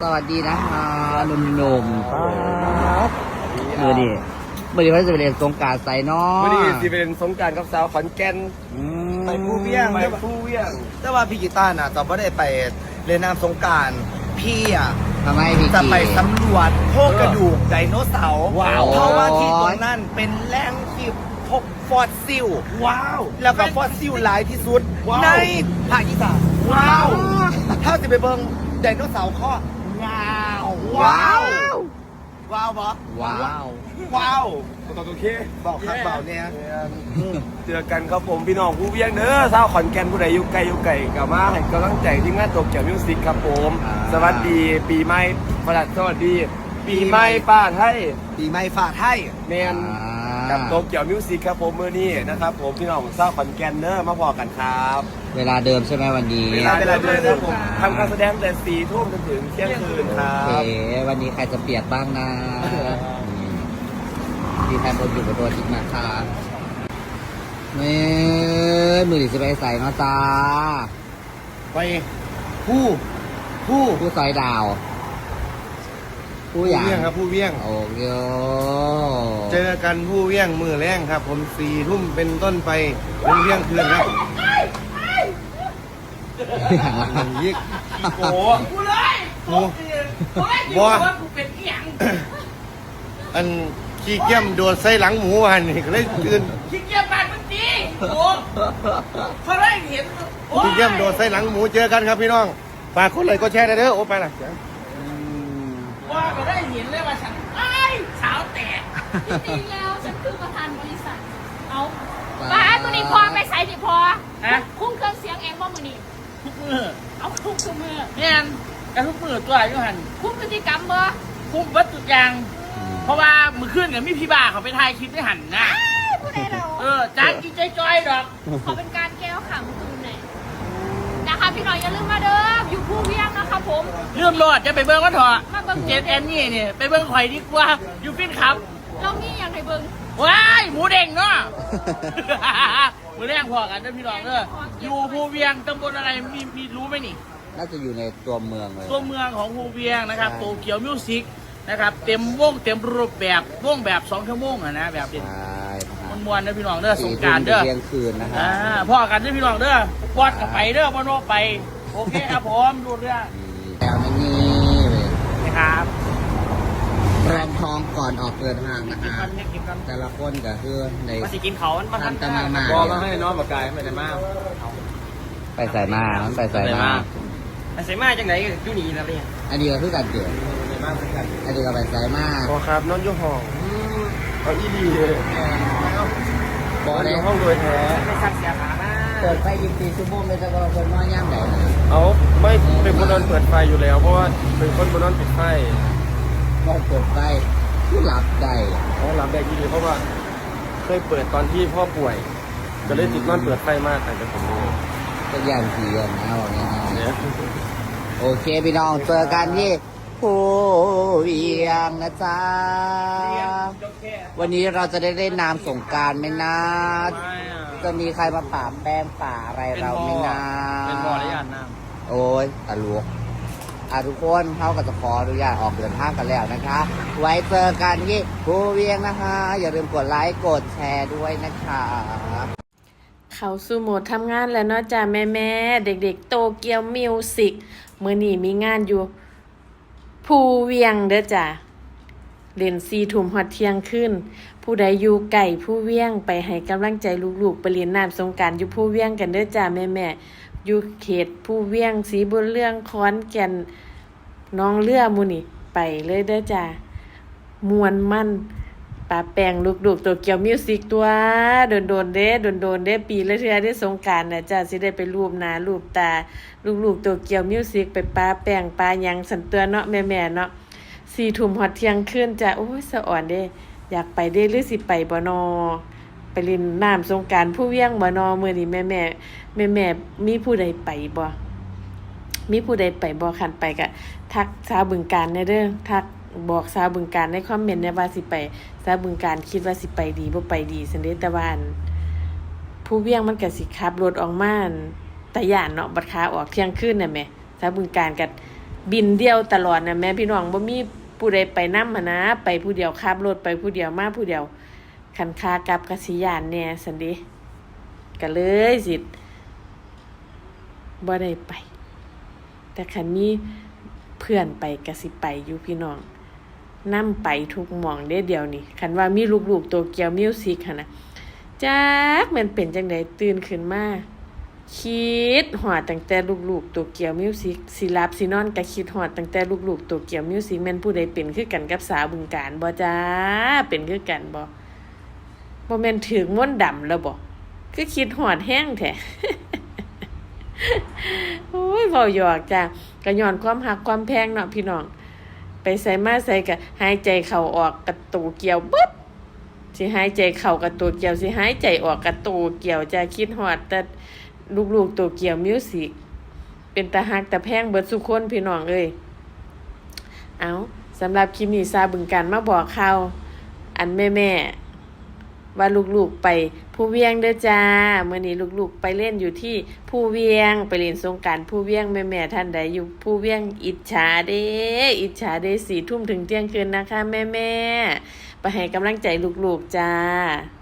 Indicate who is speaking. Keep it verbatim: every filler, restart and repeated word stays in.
Speaker 1: สวัสดีนะคะหนุ่มๆครับเมื่อดีเมื่อดีเขาจะไปเรียนสงกรานต์ใส่น้อ
Speaker 2: วันนี้สิเป็นสงกรานต์กับสาวขอนแก่นไปผู้เวียงไปผู้เวียง
Speaker 3: แต่ว่าพี่กีตาร์น่ะตอนไม่ได้ไปเล่นน้ำสงกรานต์พี่อ่ะ
Speaker 1: ทำไมพี่
Speaker 3: จะ
Speaker 1: กี
Speaker 3: ไปสำรวจโครงกระดูกไดโนเสาร์
Speaker 1: ว้าว
Speaker 3: เพราะว่าที่ตรงนั้นเป็นแหล่งที่พบฟอสซิล
Speaker 2: ว้าว
Speaker 3: แล้วก็ฟอสซิลหลายที่สุด
Speaker 2: ว้าว
Speaker 3: ในภาคอีสาน
Speaker 2: ว้าว
Speaker 3: ถ้าจะไปเบิ่งไดโนเสาร์ข้อว้าว
Speaker 1: ว้าว
Speaker 3: ว้าวบอ
Speaker 1: ว้าว
Speaker 3: ว้าว
Speaker 2: โอเค
Speaker 3: บอกครับเบาเนี่ย
Speaker 2: เจอกันครับผมพี่น้องผู้เวียงเด้อสาวขอนแก่นผู้ใดอยู่ไกลอยู่ไกลกลับมาให้กำลังใจที่งานโตเกียวมิวสิกครับผมสวัสดีปีใหม่ประดับสวัสดี ปีใหม่ป้าไทย
Speaker 3: ปีใหม่ฝากให้
Speaker 2: แมนกับโตเกียวมิวสิกครับผมมื้อนี้นะครับผมพี่น้องสาวขอนแก่นเด้อมาพอกันครับ
Speaker 1: เวลาเดิมใช่ไหมวันนี้
Speaker 2: เวลาเวลาเดินครับผมทำการแสดงแต่สี่ทุ่มจนถึงเที่ยงคืนครั
Speaker 1: โอเค
Speaker 2: บ
Speaker 1: วันนี้ใครจะเปียกบ้างนะที่แทนบนอยู่กับตัวจริงนะคะเมื่อมือดีจะไปใส่เนาะจ้า
Speaker 3: ไปผู้ผู้
Speaker 1: ผู้ซอยดาว ผู้
Speaker 3: ผู้
Speaker 1: อย่าง
Speaker 3: เวียงครับผู้เวียง
Speaker 1: โอเค
Speaker 3: เจอกันผู้เวียงมือแรงครับ ผมสี่ทุ่มเป็นต้นไปเป็นเวียงคืนครับยิก
Speaker 2: โอ้โห
Speaker 4: กูเลย
Speaker 3: โอ้
Speaker 4: กูเลย
Speaker 3: บัว
Speaker 4: ว่ากูเป็นเอียง
Speaker 3: อันขี้เกียมโดนใส่หลังหมูหันนี่ก็เลยคืน
Speaker 4: ขี้เกียจปากมันดีโอ้พอได้เห็นโอ้
Speaker 3: ขี้เกียมโดนใส่หลังหมูเจอกันครับพี่น้องฝากคนเลยก็แชร์ได้เด้อโอ้ไปละ
Speaker 4: ว่าก็ได้เห็นเลยว่าฉันไอ้ายสาวแตก
Speaker 5: จริงๆแล้วฉันคือประธานบริษัท เอาป้ามือนี้พอไปใส่ดิพอ
Speaker 4: ฮะ
Speaker 5: คุ้มเครื่องเสียงเองว่ามือนี้
Speaker 4: ทุกมือ
Speaker 5: เอาคุ้มคือมือ
Speaker 4: เนี่ยกันทุกมือตัวอยู่หัน
Speaker 5: คุ้มพฤติกรรมบ่
Speaker 4: คุ้มวัตถุกอย่าง เพราะว่ามือขึ้นกับมีพี่บ้าเขาไปถ่ายคลิปได้หันนะ
Speaker 5: ผู้ใดเรา
Speaker 4: เออจานกินใจจอยดอก
Speaker 5: ขอเป็นการแก้วขำคืนหน่อยนะคะพี่หน่อยอย่าลืมมาเด้ออยู่ผู้เวียงนะคะผม
Speaker 4: เรื่องรอดจะไปเบิ้งก็เถอะ
Speaker 5: มาเบิ่ง
Speaker 4: เจนแอนนี่เนี่ยไปเบิ้งข่อยดีกว่าอยู่ฟินครับ
Speaker 5: เรามีอย่างไรเบิ่ง
Speaker 4: ว้ายหมูเด้งเนาะ หมูแดงพอกันเด้อพี่น้องเด้ออยู่ภูเวียงตำบลอะไรมีมีรู้ไหมนี่
Speaker 1: น่าจะอยู่ในตัวเมืองเลย
Speaker 4: ตัวเมืองของภูเวียงนะครับ
Speaker 1: ใช่
Speaker 4: โตเกียวมิวสิกนะครับเต็มวงเต็มรูปแบบวงแบบสองชั่วโมงอะนะแบบเด่น
Speaker 1: ใช่นะฮะ
Speaker 4: มวนๆเด้อพี่น้องเด้อสงกรารเด้อ
Speaker 1: เที่ยงคืนนะฮะ
Speaker 4: อ่าพ่อกันเด้อพี่น้องเด้อปอดกับไปเด้อพ่อโนไปโอเคครับผมดูเรื่อง
Speaker 1: แล้วนี่เลย
Speaker 4: นะครับ
Speaker 1: แรงทองก่อนออกเดินทางนะ
Speaker 4: กิน
Speaker 1: ฮะ
Speaker 4: กันเนี่ยกินกัน
Speaker 1: แต่ละคนก็คือใน
Speaker 4: มาสิกินเขามันมา
Speaker 1: ทันตะมามา
Speaker 2: บอกมาให้น้องปากกายไม่ได้มาก
Speaker 1: ไปใส่มามันไปใส่มา
Speaker 4: ไอ้เสมาจังไหนอยู่นี่นะเนี่ย
Speaker 1: อันนี้ก็คือการเกิด
Speaker 2: ไม่มากเหมือนกัน
Speaker 1: อันนี้ก็ไปใส่มา
Speaker 2: พอครับน้องยุ่ห้องเอาอีดีเลย
Speaker 1: บอ
Speaker 2: น้อง
Speaker 1: เล
Speaker 2: อย ยู่ห้องโดยแท้
Speaker 4: ไม่สั่งเสียขามา
Speaker 1: เปิดไฟยิบสี่ชั่วโมงเลยจะก็คนน้อยย่ำไหนนะ
Speaker 2: เอาไม่เป็นคนนอนเปิดไฟอยู่แล้ว เพราะว่าเป็นคนบนนอนปิดไฟ
Speaker 1: ก็เปิดไฟที่หลับได้
Speaker 2: เขาหลับได้ดีเพราะว่า เคยเปิดตอนที่พ่อป่วย ก็เลยติดนอนเปิดไฟมากแต่จะผมเลย
Speaker 1: ก็ย่างผีกันนะบอกง่าย
Speaker 2: เนี่ย
Speaker 1: ๆโอเคพี่น้องเจอกันที่ภูเวียงนะจ๊ะวันนี้เราจะได้เล่นน้ำสงกรารไหมนะจะมีใครมาป่าแป้งป่าอะไรเราไหมนะ
Speaker 2: เป็นบ่อระยะน้
Speaker 1: โอ้ยตะลุกอ่ะทุกคนเขาก็จะขออนุญาตออกเดินทางกันแล้วนะคะ ไว้เจอกันที่ภูเวียงนะคะ อย่าลืมกดไลค์กดแชร์ด้วยนะคะ
Speaker 6: เขาสู่โหมดทำงานแล้วเนาะจ้าแม่แม่ๆเด็กๆโตเกียวมิวสิกมื้อนี้มีงานอยู่ภูเวียงเด้อจ้าเล่นสี่ทุ่มฮอดเที่ยงคืนผู้ใดอยู่ไก่ผู้เวียงไปให้กำลังใจลูกๆไปเล่นน้ำสงกรานต์อยู่ภูเวียงกันเด้อจ้าแม่แม่ๆอยู่เขตภูเวียงศรีบุญเรื่องขอนแก่นหน้องเรือหมู่นี่ไปเลยเด้อจ้ามวนมั่น ปาแปลงลูกๆตัวเกียวมิวสิกตัวโดนโดนๆเด้โดนโดนๆเด้ปีละเทื่อได้สงกรานต์น่ะจ้าสิได้ไปรูปหน้ารูปตาลูกๆตัวเกียวมิวสิกไปปาแป้งปาหยังสันเตือนเนาะแม่ๆเนาะสี่ทุ่มฮอดเที่ยงคืนจ้าโอ้ยสะอ่อนเด้อยากไปเด้หรือสิไปบ่นอไปเล่นน้ำสงกรานต์ผู้เวียงบ่นอมื้อนี้แม่ๆแม่ๆมีผู้ใดไปบ่มีผู้ใดไปบ่คันไปก็ทักสาวบึงกาฬแน่เด้อทัก บอกสาวบึงการในคอมเมนต์เนี่ยว่าสิไปสาวบึงการคิดว่าสิไปดีบ่ไปดีซั่นเด้แต่ว่าอันผู้เวียงมันก็สิขับรถออกมาอันตะย่านเนาะบัดขาออกเที่ยงคืนน่ะแหมสาวบึงการก็บินเดียวตลอดนะแม่พี่น้องบ่มีผู้ใดไปนำหั่นนะไปผู้เดียวขับรถไปผู้เดียวมาผู้เดียวคันคากลับกสิยานแน่ซั่นเด้ก็เลยสิบ่ได้ไปแต่คันมีเพื่อนไปก็สิไปอยู่พี่น้องนำไปทุกหม่องเด้เดียวนี่คันว่ามีลูกๆโตเกียวมิวสิกหั่นน่ะจักแม่นเป็นจังได๋ตื่นขึ้นมาคิดฮอดตั้งแต่ลูกๆโตเกียวมิวสิกสิหลับสินอนก็คิดฮอดตั้งแต่ลูกๆโตเกียวมิวสิกแม่นผู้ใดเป็นคือกันกับสาวบึงกาฬบ่จ้าเป็นคือกันบ่บ่แม่นถึงมนต์ดำแล้วบ่คือคิดฮอดแฮงแท้ โอ้ยเว้าหยอกจ้าก็ย้อนความฮักความแพงเนาะพี่น้องไปใส่มาใส่ก็หายใจเข้าออกกระตูเกี่ยวปึ๊บสิหายใจเข้ากระตูเกี่ยวสิหายใจออกกระตูเกี่ยวจ้าคิดฮอดแต่ลูกๆโตเกียวมิวสิกเป็นตาฮักตาแพงเบิดสุคนพี่น้องเอ้ยเอาสำหรับคลิปนี้ซาบึงการมาบอกข่าวอันแม่ๆว่าลูกๆไปภูเวียงเด้อจ้ามื้อนี้ลูกๆไปเล่นอยู่ที่ภูเวียงไปเล่นสงกรานต์ภูเวียงแม่ๆท่านใดอยู่ภูเวียงอิจฉาเด้อิจฉาเด้สี่ทุ่มถึงเที่ยงคืนนะคะแม่ๆไปให้กำลังใจลูกๆจ้า